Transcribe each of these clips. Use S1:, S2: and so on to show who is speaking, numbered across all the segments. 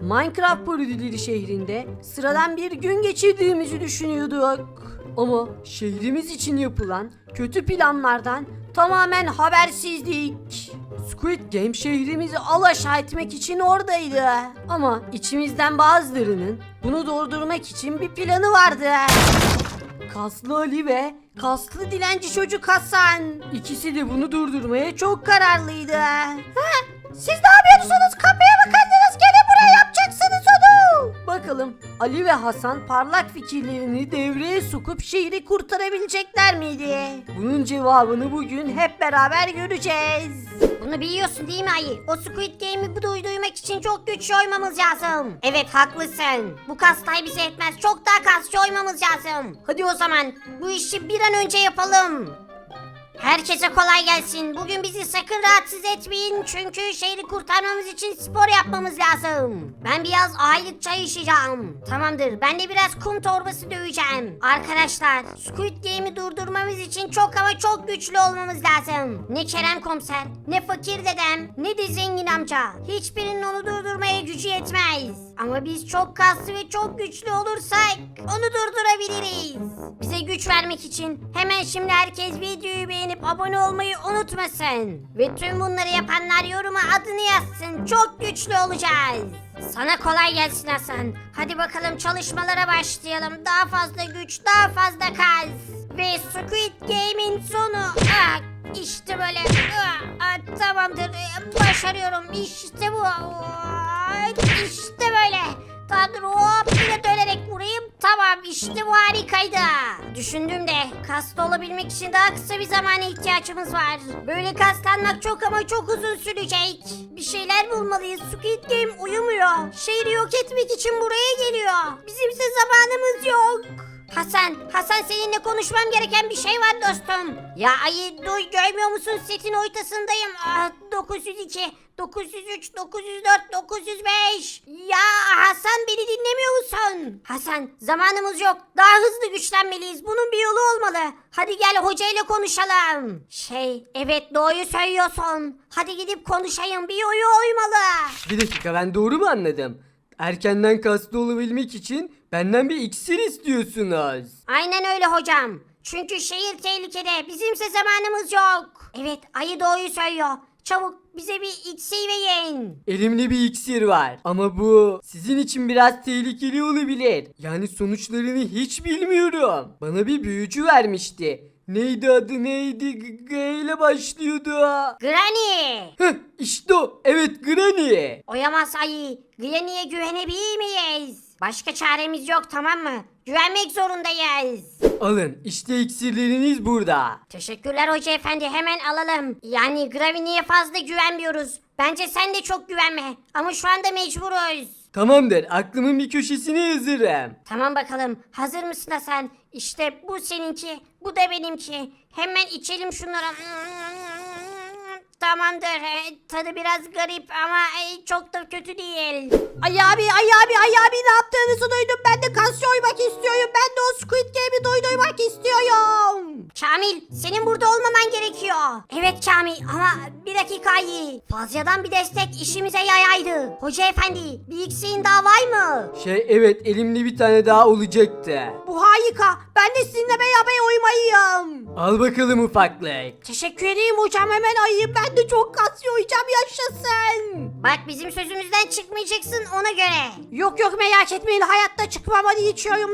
S1: Minecraft parodileri şehrinde sıradan bir gün geçirdiğimizi düşünüyorduk. Ama şehrimiz için yapılan kötü planlardan tamamen habersizdik. Squid Game şehrimizi alaşağı etmek için oradaydı. Ama içimizden bazılarının bunu durdurmak için bir planı vardı. Kaslı Ali ve kaslı dilenci çocuk Hasan. İkisi de bunu durdurmaya çok kararlıydı. Siz ne yapıyorsunuz? Kapıya bakardınız. Gelin buraya, yapacaksınız onu. Bakalım Ali ve Hasan parlak fikirlerini devreye sokup şehri kurtarabilecekler miydi? Bunun cevabını bugün hep beraber göreceğiz.
S2: Bunu biliyorsun değil mi Ayı? O Squid Game'i duymak için çok güçlü oymamız lazım. Evet haklısın. Bu kastay bize etmez. Çok daha kasçı oymamız lazım. Hadi o zaman bu işi bir an önce yapalım. Herkese kolay gelsin. Bugün bizi sakın rahatsız etmeyin. Çünkü şehri kurtarmamız için spor yapmamız lazım. Ben biraz aylık çay içeceğim. Tamamdır. Ben de biraz kum torbası döveceğim. Arkadaşlar, Squid Game'i durdurmamız için çok ama çok güçlü olmamız lazım. Ne Kerem komiser, ne fakir dedem, ne de zengin amca. Hiçbirinin onu durdurmaya gücü yetmez. Ama biz çok kaslı ve çok güçlü olursak onu durdurabiliriz. Bize güç vermek için hemen şimdi herkes videoyu beğenip abone olmayı unutmasın. Ve tüm bunları yapanlar yoruma adını yazsın. Çok güçlü olacağız. Sana kolay gelsin Hasan. Hadi bakalım çalışmalara başlayalım. Daha fazla güç, daha fazla kas. Ve Squid Game'in sonu. İşte böyle. Tamamdır. Başarıyorum. İşte bu. İşte böyle. Tanrı hop yine dönerek vurayım. Tamam işte bu harikaydı. Düşündüm de kaslı olabilmek için daha kısa bir zamana ihtiyacımız var. Böyle kaslanmak çok ama çok uzun sürecek. Bir şeyler bulmalıyız. Squid Game uyumuyor. Şehri yok etmek için buraya geliyor. Bizimse zamanımız yok. Hasan seninle konuşmam gereken bir şey var dostum. Ya ayı duy görmüyor musun setin ortasındayım. 902, 903, 904, 905. Ya Hasan beni dinlemiyor musun? Hasan zamanımız yok. Daha hızlı güçlenmeliyiz. Bunun bir yolu olmalı. Hadi gel hocayla konuşalım. Evet doğruyu söylüyorsun. Hadi gidip konuşayım. Bir yolu olmalı.
S1: Bir dakika, ben doğru mu anladım? Erkenden kaslı olabilmek için benden bir iksir istiyorsunuz.
S2: Aynen öyle hocam. Çünkü şehir tehlikede. Bizimse zamanımız yok. Evet ayı doğruyu söylüyor. Çabuk bize bir iksir verin.
S1: Elimde bir iksir var ama bu sizin için biraz tehlikeli olabilir. Yani sonuçlarını hiç bilmiyorum. Bana bir büyücü vermişti. Neydi adı neydi? G ile başlıyordu.
S2: Granny.
S1: İşte o. Evet, Granny.
S2: Oyamaz ayı. Granny'e güvenebilir miyiz? Başka çaremiz yok tamam mı? Güvenmek zorundayız.
S1: Alın, işte iksirleriniz burada.
S2: Teşekkürler hoca efendi, hemen alalım. Yani Granny'e fazla güvenmiyoruz. Bence sen de çok güvenme. Ama şu anda mecburuz.
S1: Tamamdır, aklımın bir köşesine yazırım.
S2: Tamam bakalım. Hazır mısın Hasan? İşte bu seninki, bu da benimki. Hemen içelim şunları. Tamamdır. Tadı biraz garip ama çok da kötü değil.
S1: Ay abi ne yaptığınızı duydum. Ben de kas oymak istiyorum. Ben de o Squid Game'i doydurmak istiyorum.
S2: Kamil, senin burada olmaman gerekiyor. Evet Kamil ama bir dakika iyi. Fazladan bir destek işimize yaraydı. Hoca efendi, bir iksirin daha var mı?
S1: Evet, elimde bir tane daha olacaktı.
S2: Bu harika. Ben de sizinle beraber oymayayım.
S1: Al bakalım ufaklık.
S2: Teşekkür ederim hocam, hemen ayıyım. Ben de çok kas yoyacağım, yaşasın. Bak bizim sözümüzden çıkmayacaksın ona göre. Yok merak etmeyin, hayatta çıkmam, hadi içiyorum.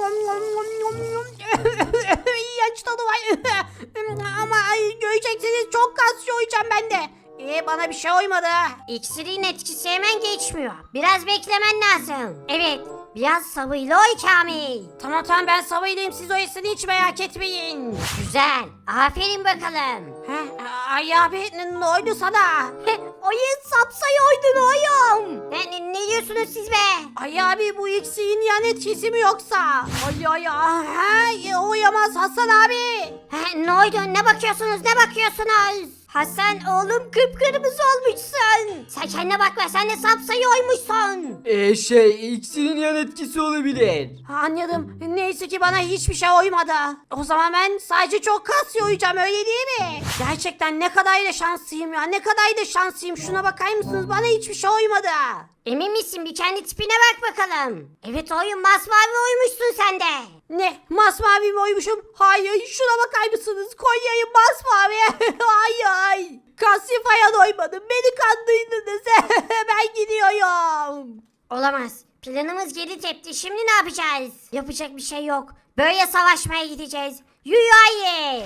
S2: İğrenç tadı var. Ama göreceksiniz çok kas yoyacağım ben de. Bana bir şey oymadı. İksirin etkisi hemen geçmiyor. Biraz beklemen lazım. Evet. Biraz sabırlı oy Kamil. Tamam ben sabırlıyım, siz oyasını hiç merak etmeyin. Güzel. Aferin bakalım. Ay abi ne oldu sana? Oyun sapsayı oydun oyum. Ne diyorsunuz siz be? Ay abi bu iksirin yan etkisi mi yoksa? Ay oyamaz Hasan abi. Ne oldu, ne bakıyorsunuz? Hasan oğlum kıpkırmızı olmuşsun. Sen kendine bakma, sen de sapsayı oymuşsun.
S1: İkisinin yan etkisi olabilir.
S2: Anladım. Neyse ki bana hiçbir şey uymadı. O zaman ben sadece çok kas uyuyacağım, öyle değil mi? Gerçekten ne kadar da şanslıyım ya. Ne kadar da şanslıyım. Şuna bakar mısınız? Bana hiçbir şey uymadı. Emin misin? Bir kendi tipine bak bakalım. Evet oyun, masmavi uymuşsun sen de. Ne? Masmavi mi uymuşum? Hayır. Şuna bakar mısınız? Konya'yı masmavi. Hayır. Kasifaya doymadım. Beni kandırdınız. Ben gidiyorum. Olamaz. Planımız geri tepti. Şimdi ne yapacağız? Yapacak bir şey yok. Böyle savaşmaya gideceğiz. Yuyayı.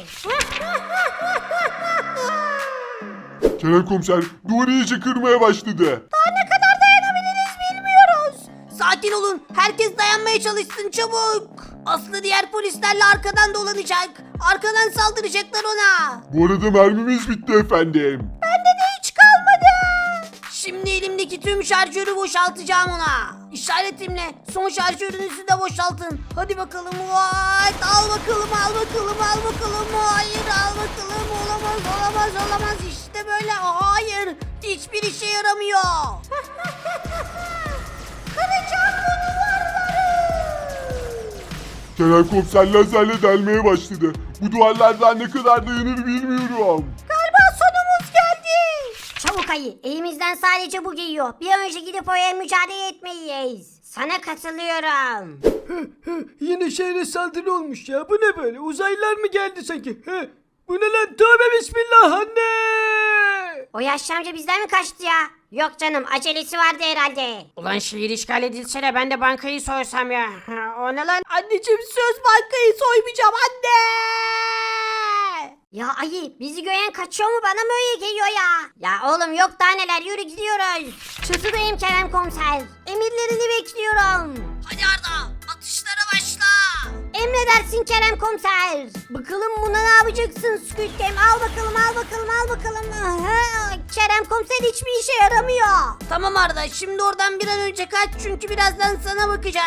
S3: Kerem komiser duvarı iyice kırmaya başladı.
S2: Daha ne kadar dayanabiliriz bilmiyoruz. Sakin olun. Herkes dayanmaya çalışsın çabuk. Aslı diğer polislerle arkadan dolanacak. Arkadan saldıracaklar ona.
S3: Bu arada mermimiz bitti efendim.
S2: Bende de hiç kalmadı. Şimdi elimdeki tüm şarjörü boşaltacağım ona. İşaretimle son şarjörünüzü de boşaltın. Hadi bakalım. What? Al bakalım, al bakalım, al bakalım. Hayır, al bakalım. Olamaz, olamaz, olamaz. İşte böyle. Hayır. Hiçbir işe yaramıyor. Kıracağım bu duvarları.
S3: Kerem komiser lazerle delmeye başladı. Bu duvarlardan ne kadar dayanır bilmiyorum.
S2: Galiba sonumuz geldi. Çabuk ayı. Elimizden sadece bu geliyor. Bir an önce gidip oraya mücadele etmeliyiz. Sana katılıyorum.
S1: Yine şehre saldırı olmuş ya. Bu ne böyle? Uzaylılar mı geldi sanki? Bu ne lan? Tövbe bismillah anne!
S2: O yaşlı amca bizden mi kaçtı ya? Yok canım, acelesi vardı herhalde.
S4: Ulan şehir işgal edilse de ben de bankayı soysam ya. O ne lan?
S2: Anneciğim söz, bankayı soymayacağım anne. Ya ayı, bizi gören kaçıyor mu, bana mı öyle geliyor ya? Ya oğlum yok daha neler, yürü gidiyoruz. Çatıdayım Kerem komiser. Emirlerini bekliyorum. Hadi Arda, atışlara başla. Emredersin Kerem komiser. Bakalım buna ne yapacaksın Squid Game? Al bakalım, al bakalım, al bakalım. Aha, Kerem komiser hiçbir işe yaramıyor. Tamam Arda, şimdi oradan bir an önce kaç çünkü birazdan sana bakacak.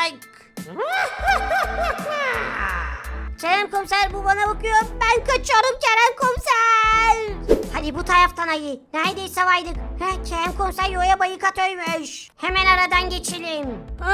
S2: Kerem komiser bu bana bakıyor. Ben kaçıyorum Kerem komiser. Hadi bu taraftan ayı. Neredeyse vardık. Kerem komiser yoya bayıkat ölmüş. Hemen aradan geçelim.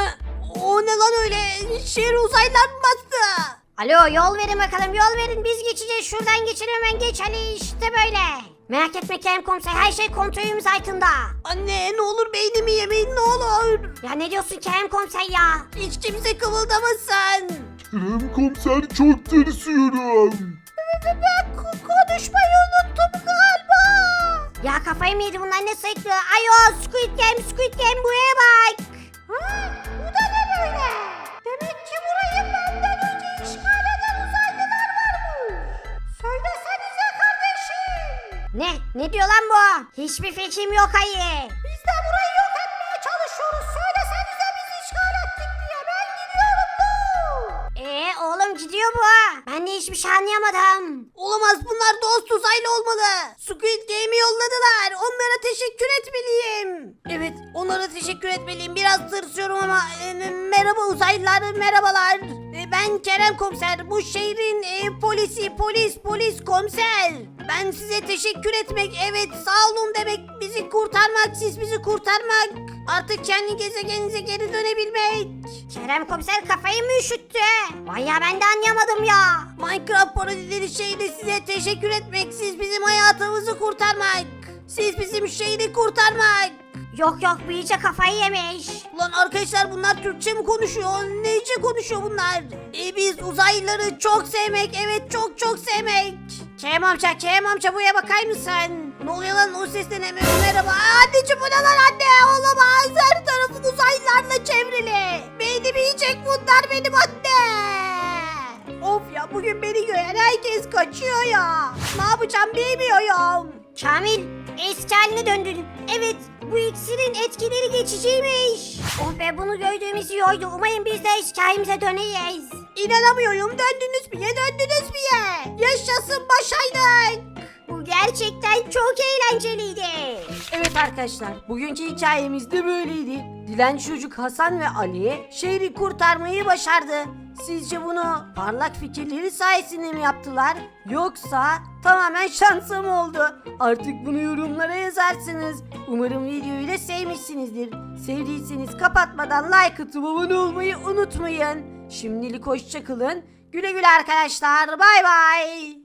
S2: O ne lan öyle? Şehir uzaylılar mı bastı? Alo yol verin bakalım, yol verin. Biz geçeceğiz, şuradan geçelim, hemen geç Ali, işte böyle. Merak etme Kerem komiser, her şey kontrolümüz altında. Anne ne olur beynimi yemeyin ne olur. Ya ne diyorsun Kerem komiser ya? Hiç kimse kımıldamasın.
S3: Kerem komiser çok tırsıyorum.
S2: Ben konuşmayı unuttum galiba. Ya kafayı mı yedi bunlar, ne sayıklıyor? Ayo Squid Game, Squid Game buraya bak. Bu da ne böyle? Demek ki burayı benden önce işgal eden uzaylılar varmış. Söylesenize kardeşim. Ne diyor lan bu? Hiçbir fikrim yok ayı. Biz de burayı yok etmeye çalışıyoruz. Söylesenize biz işgal ettik diye. Ben gidiyorum bu. Oğlum gidiyor bu. Ben de hiçbir şey anlayamadım. Olamaz, bunlar dost uzaylı olmalı. Squid Game'i yolladılar. Onlara teşekkür etmeliyim. Evet, onlara teşekkür etmeliyim. Biraz tırsıyorum ama merhaba uzaylılar, merhabalar. Ben Kerem komiser. Bu şehrin polisi, polis komiser. Ben size teşekkür etmek, evet sağ olun demek, bizi kurtarmak, siz bizi kurtarmak. Artık kendi gezegeninize geri dönebilmek. Kerem komiser kafayı mı üşüttü? Vay ya, ben de anlayamadım ya. Minecraft parodileri şehri size teşekkür etmek, siz bizim hayatımızı kurtarmak. Siz bizim şehri kurtarmak. Yok bu iyice kafayı yemiş. Ulan arkadaşlar bunlar Türkçe mi konuşuyor? Neyce konuşuyor bunlar? Biz uzaylıları çok sevmek, evet çok sevmek. Kerem amca buraya bakar mısın? Ne oluyor lan, o sesten hemen merhaba. Anneciğim bu ne lan anne, olamaz. Her tarafım uzaylılarla çevrili. Beynimi yiyecek bunlar benim anne. Of ya, bugün beni gören herkes kaçıyor ya. Ne yapacağım bilmiyorum. Kamil eski haline döndün. Evet, bu iksirin etkileri geçiciymiş. Oh be, bunu gördüğümüz iyi oldu. Umarım biz de eski halimize döneyiz. İnanamıyorum, döndünüz mü ya? Yaşasın, başardık. Bu Gerçekten çok eğlenceliydi.
S1: Evet arkadaşlar, bugünkü hikayemiz de böyleydi. Dilenci çocuk Hasan ve Ali şehri kurtarmayı başardı. Sizce bunu parlak fikirleri sayesinde mi yaptılar? Yoksa tamamen şansa mı oldu? Artık bunu yorumlara yazarsınız. Umarım videoyu da sevmişsinizdir. Sevdiyseniz kapatmadan like atıp abone olmayı unutmayın. Şimdilik hoşça kalın. Güle güle arkadaşlar. Bay bay.